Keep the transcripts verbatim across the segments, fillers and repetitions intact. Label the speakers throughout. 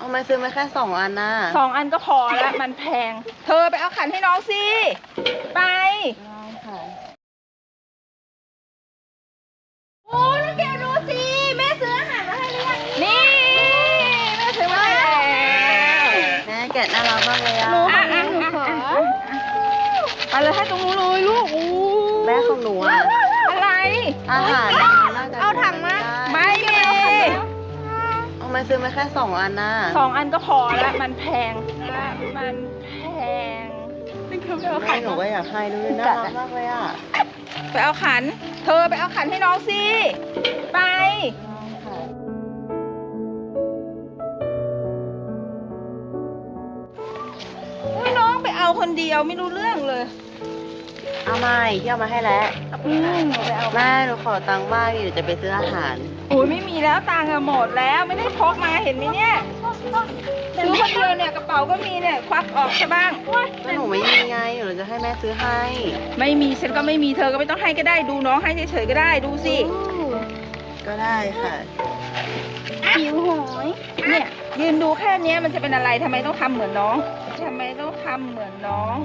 Speaker 1: ทำไมซื้อมาแค่สองอันน่ะ
Speaker 2: สองอันก็พอแล้วมันแพงเธอไปเอาขันให้น้องสิไปโอ้นักเกดดูสิแม่ซื้ออาหารมาให้หรือยังนี่แม่ซื้อมาให้แล้ว
Speaker 1: แม่แกะน่ารักมากเลยอ่ะ
Speaker 2: หนูอ่ะอ่ะหนูขอไปเลยให้ตรงนู้นเลยลูกอู้
Speaker 1: แม่ของหนูอ่ะ
Speaker 2: อะไร
Speaker 1: อาหารน่าจะ
Speaker 2: เอาถังมาไม่มี
Speaker 1: ทำไมซื้อมาแค่สองอันน่ะ
Speaker 2: สองอันก็พอแล้วมันแพงมันแพงนี่คือไปเอา
Speaker 1: แม่
Speaker 2: ขัน
Speaker 1: หนูก็อยากให้ด้วยน่ารักมากเลยอ่ะ
Speaker 2: ไปเอาขัน เธอไปเอาขันให้น้องสิไปให้น้องไปเอาคนเดียวไม่รู้เรื่องเลย
Speaker 1: เอาใหม่ที่เอามาให้แล้ว
Speaker 2: อืมหนูไปเอา
Speaker 1: แม่หนูขอตังค์บ้างอยู่จะไปซื้ออาหาร
Speaker 2: โอ้ยไม่มีแล้วตังค์อะหมดแล้วไม่ได้พกมาเห็นไหมเนี่ยซื้อคนเดียวเนี่ยกระเป๋าก็มีเนี่ยควักออกใช่บ้าง
Speaker 1: ก็หนูไม่มีไงหนูจะให้แม่ซื้อให้
Speaker 2: ไม่มีฉันก็ไม่มีเธอก็ไม่ต้องให้ก็ได้ดูน้องให้เฉยๆก็ได้ดูสิ
Speaker 1: ก็ได้ค่ะ
Speaker 2: หิวหอยเนี่ยยืนดูแค่เนี้ยมันจะเป็นอะไรทำไมต้องทำเหมือนน้องทำไมต้องทำเหมือนน้อง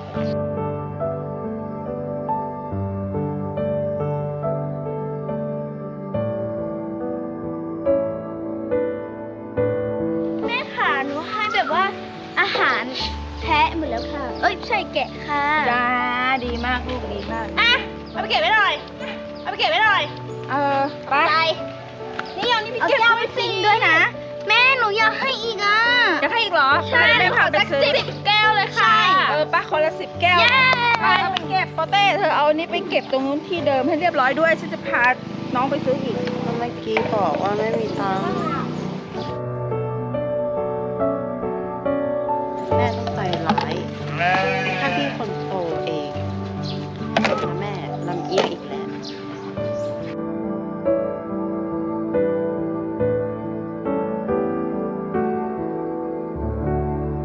Speaker 3: แม่ค่ะหนูให้แบบว่าอาหารแพะหมดแล้วค่ะ เอ้ยใช่แกะค่ะ
Speaker 2: จ้าดีมากลูกดีมาก
Speaker 3: อ่ะเอาไปเก็บไว้หน่อยเอาไปเก็บไว้หน่อย
Speaker 2: เออไป
Speaker 3: ไป
Speaker 2: นี่เอานี่ไป
Speaker 3: เอา
Speaker 2: เก็บ
Speaker 3: แก้วไป
Speaker 2: ไว้
Speaker 3: ฟินด้วยนะ แม่หนูอยากให้อีกอ่ะ
Speaker 2: จะให้อีกเหรอไปแม่พาไปซื้อ
Speaker 3: สิบแก้วเลยค่ะ
Speaker 2: เออป้าคนละสิบแก้ว
Speaker 3: เย้
Speaker 2: ไปเอาไปเก็บโปเต้เธอเอาอันนี้ไปเก็บตรงนู้นที่เดิมให้เรียบร้อยด้วยฉันจะพาน้องไปซื้ออีก
Speaker 1: เมื่อกี้บอกว่าไม่มีตังค์